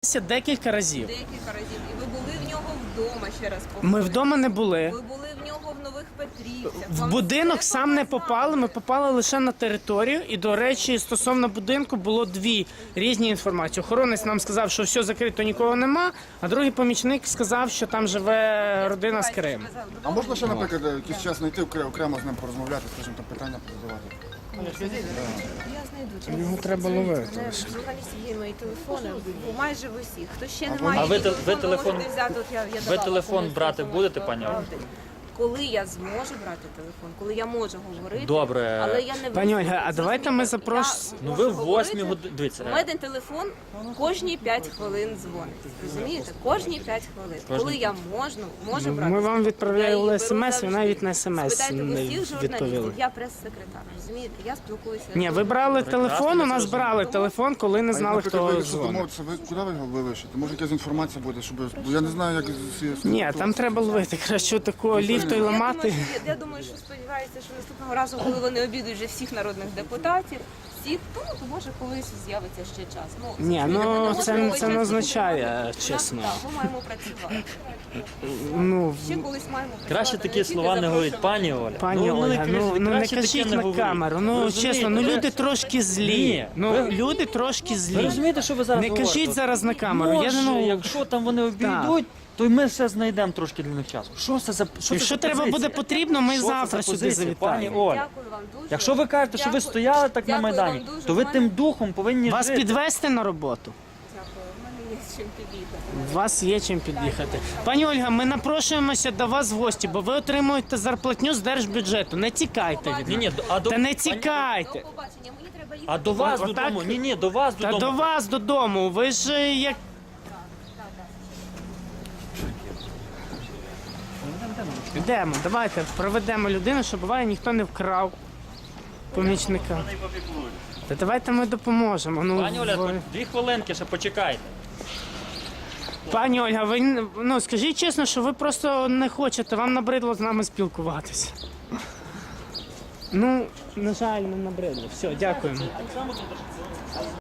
Декілька разів. Декілька разів. І ви були в нього вдома, ще раз повторюю. Ми вдома не були. Ви були в нього в Нових Петрівцях. В Вам будинок все сам не показали. попали, ми попали лише на територію. І, до речі, стосовно будинку було дві різні інформації. Охоронець нам сказав, що все закрито, нікого нема, а другий помічник сказав, що там живе родина з Криму. А можна ще, наприклад, якийсь час знайти окремо з ним порозмовляти, скажімо, там питання задавати? Я знайду час. Його треба ловити. Журналістів є мої телефони, майже в усіх. Хто ще не А має ви її телефон- телефон, можете взяти. От я ви давала телефон комусь брати телефон, будете, що пані Ольга? правди. Коли я зможу брати телефон, коли я можу говорити, Добре. але я не Пані визнаю. Ольга, а давайте ми запрошуємо. Ну ви в 8 годині. Дивіться. У мене телефон кожні 5 хвилин дзвонить. Розумієте? Кожні 5 хвилин. Коли я можу брати. Ми вам відправляли я її беру смс, ви завжди. навіть на смс Спитайте не усіх журналістів, відповіли. я прес-секретар. Розумієте? Я спілкуюся. Ні, ви брали телефон, у нас брали телефон, коли не знали, Наприклад, ви хто якщо дзвонить. домовитися, ви куди ви його вилишите? Може якась інформація буде, щоб... Бо я не знаю, як з цієї... Ні, там треба ловити. Краще такого ліфту і ламати. Я думаю, що сподіваюся, що наступного разу, коли вони обідують вже всіх народних депутатів, всіх, то може колись з'явиться ще час. Ні, ми ну можемо це цей не час означає, підготувати. чесно. Так, ми маємо працювати. Ну, Ще колись маємо працювати. Краще такі тільки слова не говоріть, запрошувати. пані Оля. Пані Ольга, ну не краще таке кажіть не на говоріть. камеру. Ви Ну розумієте, чесно, ну ви- люди трошки злі. Ні, Ну ви- люди трошки Ви злі. розумієте, що ви зараз Не говорите? кажіть зараз на камеру. Може, Я ну якщо там вони обійдуть, то й ми ще знайдемо трошки для них часу. Що це за що якщо це за треба позиція? буде потрібно, ми Що це завтра за сюди позиція, пані завітаємо. Оля? Дякую вам дуже. Якщо ви кажете, що ви Дякую. стояли так на Дякую Майдані, вам дуже. то ви В мене- тим духом повинні Вас жити. підвести на роботу? Дякую. У мене є з чим підійти. У вас є чим під'їхати. Пані Ольга, ми напрошуємося до вас в гості, бо ви отримуєте зарплатню з держбюджету. Не тікайте від Ні, нас. а до Та не До тікайте. побачення. Мені треба їхати. а до вас Отак? додому. Ні, до вас Та додому. до вас додому. Ви ж як. Йдемо, давайте проведемо людину, щоб буває ніхто не вкрав помічника. Та давайте ми допоможемо. Ну, Пані Оля, ви- 2 хвилинки ще почекайте. Пані Ольга, ви ну скажіть чесно, що ви просто не хочете, вам набридло з нами спілкуватися. Ну, на жаль, не набридло. Все, дякуємо.